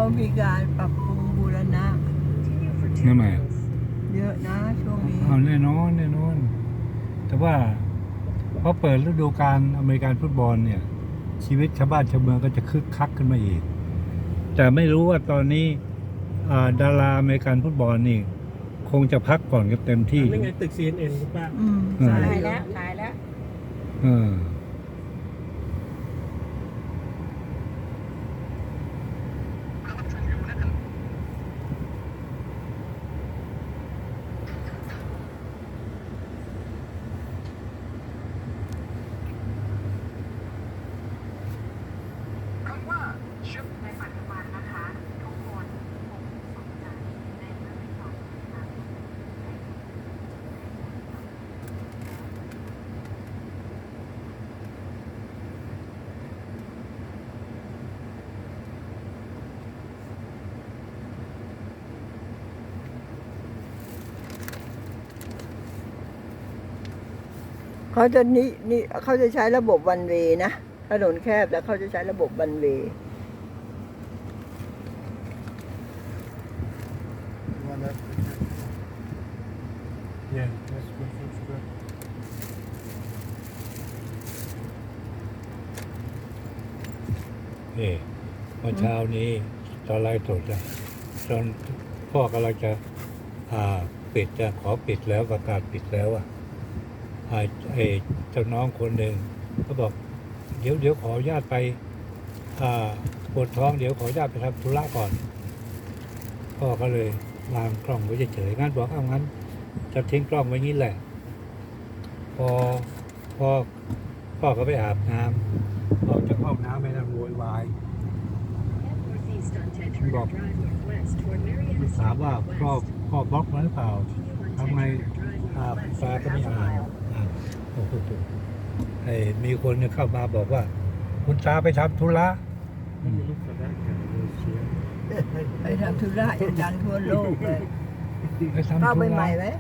มีการปรับปรุงบูรณะนั่นไงเยอะนะช่วงนี้เอาแน่นอนแน่นอน แต่ว่าพอเปิดฤดูกาลอเมริกันฟุตบอลเนี่ย ชีวิตชาวบ้านชาวเมืองก็จะคึกคักขึ้นมาอีก แต่ไม่รู้ว่าตอนนี้ดาราอเมริกันฟุตบอลนี่ คงจะพักผ่อนกันเต็มที่นี่ไงตึก CNN คุณป้าใช่ตายแล้วตายแล้วเออเขาจะนี่เขาจะใช้ระบบวันเวย์นะถนนแคบแล้วเขาจะใช้ระบบวันเวย์ Yeah, that's good, that's good. เมื่อเช้านี้ตอนไลฟ์สดอะตอนพ่อกำลังจะปิดจะขอปิดแล้วประกาศปิดแล้วอะไอ้เจ้าน้องคนหนึ่งก็บอก เดี๋ยวขออนุญาตไปปวดท้องเดี๋ยวขออนุญาตไปทำธุระก่อนพ่อก็เลยวางกล้องไว้เฉยๆงั้นบอกเอางั้นจะทิ้งกล้องไว้นี้แหละ พอพ่อก็ไปอาบน้ำออกจากห้องน้ำไม่นั่งโวยวายบอกถามว่าพ่อบล็อกมันหรือเปล่าทำไมฟ้าก็ไม่อ่านโอ้โหมีคนเข้ามาบอกว่า คุณตาไปทำธุระ Look for that guy, those here. ไปทำธุระอย่างดังทั่วโลกเลยไปทำเข้าธุไประใหม่ไหม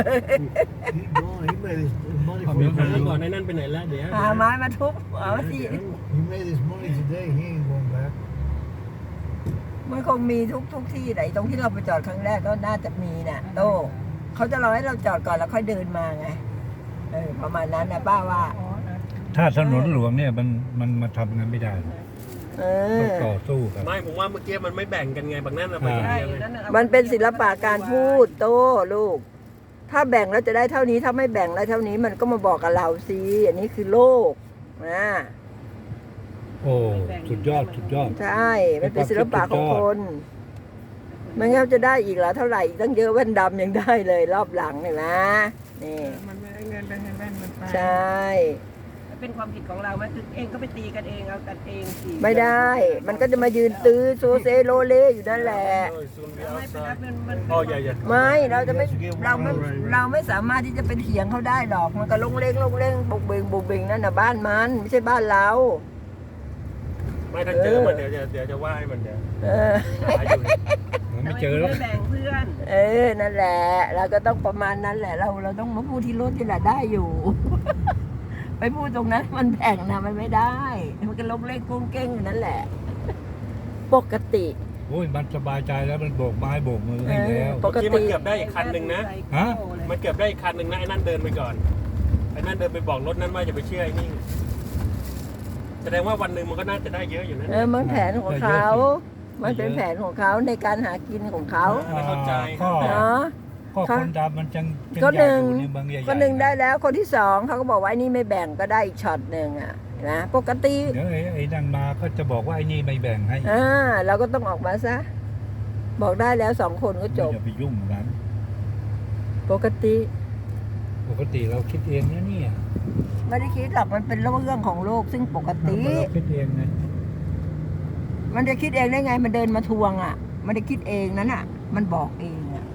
He made his money มีคนหารู้ก่อนในนั่นไปไหนแล้วเดี๋ยวหาไม้มาทุบเอาสิ He made his money today. He ain't going back. มันคงมีทุกที่ไหนตรงที่เราไปจอดครั้งแรกก็น่าจะมีน่ะโต้เขาจะรอให้เราจอดก่อนแล้วค่อยเดินมาไงประมาณนั้นนะป้าว่าถ้าถนนหลวงเนี่ยมันมาทำงานไม่ได้ ต้องต่อสู้กันไม่ผมว่าเมื่อกี้มันไม่แบ่งกันไงบางนั่นเราไปคนเดียวไงมันเป็นศิลปะการพูดโต้ลูก ถ้าแบ่งแล้วจะได้เท่านี้ถ้าไม่แบ่งแล้วเท่านี้มันก็มาบอกกับเราสิอันนี้คือโลกนะโอ้สุดยอดสุดยอดใช่มันเป็นศิลปะของคนมันก็จะได้อีกแล้วเท่าไหร่อีกตั้งเยอะแว่นดำยังได้เลยรอบหลังเนี่ยนะนี่มันไม่ได้เงินไปให้แว่นมันไปใช่เป็นความผิดของเราไหมคือเองก็ไปตีกันเองเอากันเองสิไม่ได้ มันก็จะมายืนตื้อโซเซโลเลอยู่นั่นแหละไม่ไปรับมันอ๋ออย่าไม่เราจะไม่เราไม่สามารถที่จะไปเถียงเขาได้หรอก มันก็ลงเล่งบุกเบงนั่นน่ะบ้านมันไม่ใช่บ้านเราไม่ถ้าเจอมันเดี๋ยวจะว่าให้มันเดี๋ยวเออหาอยู่ไม่เจอแล้วไม่แบ่งเพื่อนนั่นแหละเราก็ต้องประมาณนั้นแหละ เราต้องมาพูดที่รถที่แหละได้อยู่ ไปพูดตรงนั้นมันแบ่งนะมันไม่ได้ มันก็ลงเล่งกุ้งเก้งอยู่นั่นแหละ ปกติโอ้ยมันสบายใจแล้วมันโบกไม้โบกมือให้แล้วปกที่ติมันเกือบได้อีกคันหนึ่งนะฮะมันเกือบได้อีกคันหนึ่งนะไอ้นั่นเดินไปก่อนไอ้นั่นเดินไปบอกรถนั้นว่าอย่าไปเชื่อไอ้นี่แสดงว่าวันหนึ่งมันก็น่าจะได้เยอะอยู่นะมันแผนของเขา มันเป็นแผนของเขาในการหากินของเขาไม่เข้าใจก็เนาะก็คนดำมันจังก็หนึ่งใญ่อยู่ในเมืองใหญ่ๆคนหนึ่งได้แล้วคนที่สองเขาก็บอกว่าไอ้นี่ไม่แบ่งก็ได้อีกช็อตหนึ่งอ่ะนะปกติเดี๋ยวไอ้นั่นมาก็จะบอกว่าไอ้นี่ไม่แบ่งให้เราก็ต้องออกมาซะ บอกได้แล้วสองคนก็จบอย่าไปยุ่งกับนั้นปกติปกติเราคิดเองนะเนี่ยไม่ได้คิดหรอกมันเป็นเรื่องของโลกซึ่งปกติเราคิดเองนะมันจะคิดเองได้ไงมันเดินมาทวงอ่ะมันได้คิดเองนั้นอ่ะ มันบอกเองอ่ะ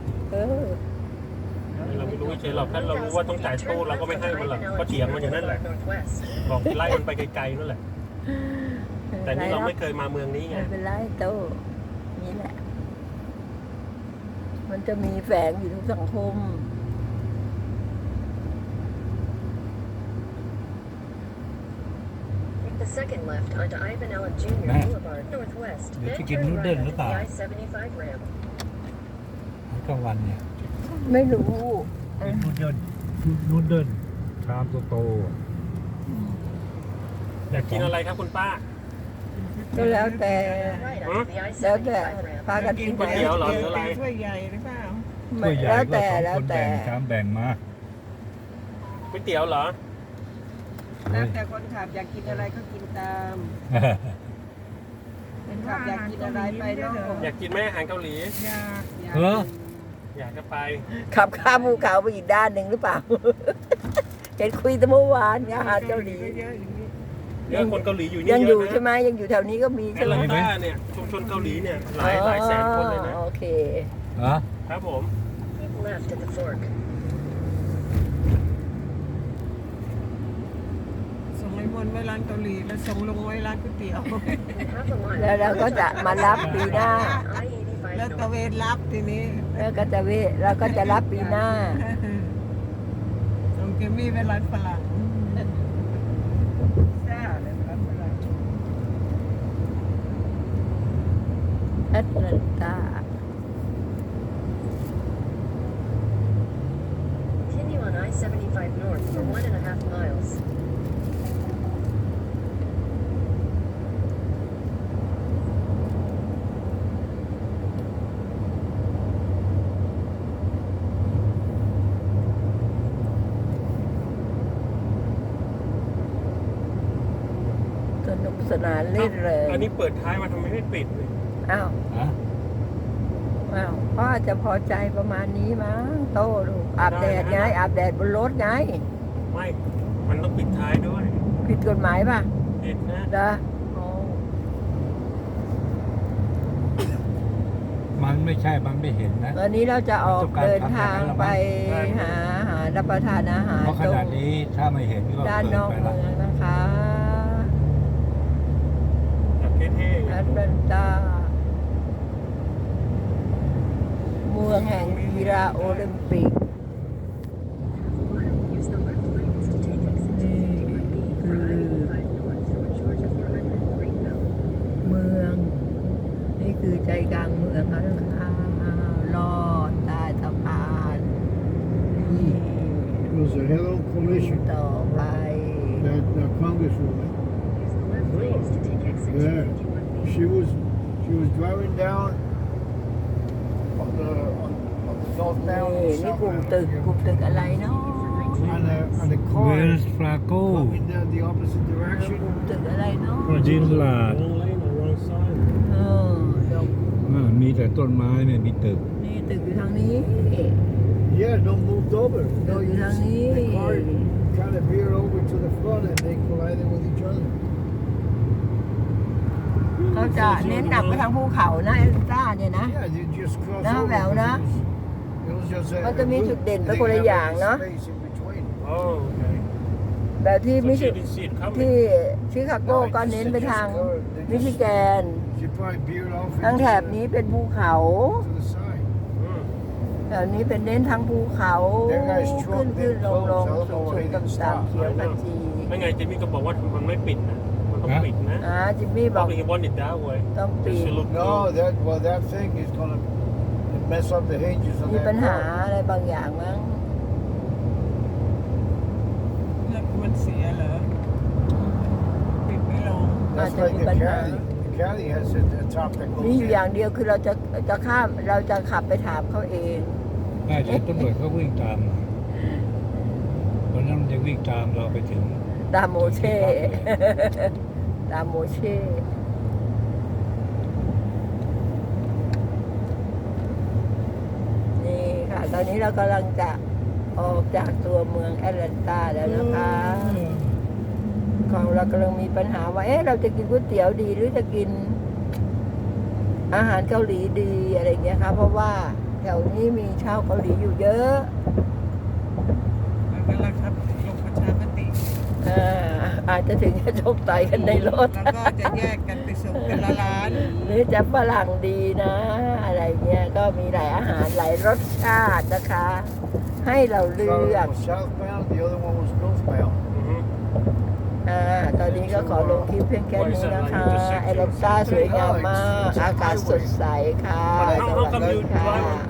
เราไม่รู้เฉยๆหรอกถ้าเรารู้ว่าต้องจ่ายตู้เราก็ไม่ให้มันหรอกก็เถียงมันอย่างนั้นแหละบอกไล่มันไปไกลๆนั่นแหละแต่นี่เราไม่เคยมาเมืองนี้ไงไม่เป็นไรโตนี่แหละ มันจะมีแฝงอยู่ทุกสังคม The a second left onto Ivan Allen Jr. Nè. Boulevard Northwest. Để Then cho kiếm turn nút right đơn nữa onto the tao. I-75 ramp. กลางวันเนี่ยไม่รู้เป็นนูเดิลชามโตอยากกินอะไรครับคุณป้าก็แล้วแต่ Right Huh? onto the แล้วแต่ I-75 ramp. พากันกินก๋วยเตี๋ยวเหรอหรืออะไรถ้วยใหญ่หรือเปล่าๆถ้วยใหญ่แล้วก็แต่สองแล้วคนแต่แบ่งชามแบ่งมาก๋วยเตี๋ยวเหรอแล้วแต่คนขับอยากกินอะไรก็กินตามคนขับอยากกินอะไรไปเนาะอยากกินไหมอาหารเกาหลีอยากเอออยากจะไปขับข้ามภูเขาไปอีกด้านหนึ่งหรือเปล่า เห็นคุยแต่เมื่อวานอาหารเกาหลีเยอะอย่างนี้เยอะคนเกาหลีอยู่นี่ยังเยอยู่อะนะใช่ไหมยังอยู่แถวนี้ก็มีแอใช่ตไหมแลนตาเนี่ยชุมชนเกาหลีเนี่ยหลายแสนคนเลยนะโอเคเหรอครับผม Keep left at the fork. ส่งไอ้มนต์ไว้ร้านเกาหลีแล้วส่งลงไว้ร้านก๋วยเตี๋ยว In half a mile. แล้วเราก็จะมารับปีหน้า I-85 แล้วตะ north. เวนรับทีนี้แล้วก็จะเราก็จะรับปีหน้าส่งเกมมี่ไปร้านฝรั่งแซ่บเลยร้านฝรั่งแอตแลนตา Continue on I-75 north for 1.5 miles. สนุกสนานเล่นเลยอันนี้เปิดท้ายมาทำไมไม่ปิดเลยอ้าวฮะอ้าวพ่อจะพอใจประมาณนี้มั้งโตลูกอาบแดดไงอาบแดดบนรถไงไม่ มันต้องปิดท้ายด้วยผิดกฎหมายป่ะปิดนะเด้ออ๋อมันไม่ใช่มันไม่เห็นนะวันนี้เราจะออกเดินทางไปหารับประทานอาหารเพราะขตรงนาดนี้ถ้าไม่เห็นก็ด้านเกินอกไปเมืละองนะคะแบบเท่ๆแอตแลนตาเมืองแห่งกีฬาโอลิมปิก Use the left lanes to take exit 51B for I-85 north through Georgia Foreman Greenbelt. เมือง นี่คือใจกลางเมืองแล้วนะคะลอดใต้สะพานนี่ It was a hello collision. ต่อไป That congresswoman. Use the left lanes to take exit Yeah. 51B. She was driving down on the northbound นี่นี่กลุ่มตึกกลุ่มตึกอะไรเนาะ on the เว car ลส์ฟลาโก coming down the opposite ก direction. ลุ่มตึกอะไรเนาะจินลาด wrong lane or wrong side เออเดี๋ยวมีแต่ต้นไม้ไม่มีตึกนี่ตึกอยู่ทางนี้ Yeah, no moved over. ตึกอยู่ทางนี้ The car kind of veered over to the front and they collided with each other. เขาจะเน้นหนักไปทางภูเขานะเอลซ่าเนี่ยนะ Yeah, you just cross Nó over. bảo đó. It was just a, Nó có miếng loop. chụp đèn They với didn't cô lấy have vàng any đó. space in between. โอ้โอเคแบบที่ So มิ she ชิ didn't see it coming ที่ชิคาโกก็เน้นไปทางมิชิแกน She probably veered off ทางแถบนี้เป็นภูเขา to the side. อืมแถวนี้เป็นเน้นทางภูเขา That guy's truck ขึ้น didn't ลง close. I don't สู know ง why สู he ง didn't ต่ำ stop. ๆเขียวขจีไม่ไงจิมมี่ก็บอกว่ามันไม่ปิดนะ มันต้องฮะปิดนะจิมมี่บอก Probably he wanted that way ต้องปิด Just to look No, good. that thing is gonna mess up the hinges of มี that ปัญหา car. อะไรบางอย่างมั้งแล้วมันเสียเหรอปิดไม่ลง That's Mà like thì the mình caddy. The caddy has a top that มี goes อยู่อย่าง in. เดียวคือเราจะข้ามเราจะขับไปถามเขาเองน่าจะตำรวจเขาวิ่งตามเพราะนั้นมันจะวิ่งตามเราไปถึงตามโมเช่ ตามโมเช่นี่ค่ะ ตอนนี้เรากำลังจะออกจากตัวเมืองแอตแลนตาแล้วนะคะของเรากำลังมีปัญหาว่า เราจะกินก๋วยเตี๋ยวดีหรือจะกินอาหารเกาหลีดีอะไรเงี้ยค่ะเพราะว่าแถวนี้มีชาวเกาหลีอยู่เยอะแล้วก็เราครับลงประชามติอาจจะถึงจะชกต่อยกันในรถแล้วก็จะแยกกันไปส่งเป็นละล้านหรือจะฝรั่งดีนะ อะไรเงี้ยก็มีหลายอาหารหลายรสชาตินะคะ ให้เราเลื One อก was southbound, the other one was northbound. อือฮึตอนนี้ก็ก็ขอลงคลิปเพียงแค่นี้นะคะแอตแลนตาสวยงามมาก อากาศสดใสค่ะ สวัสดีค่ะ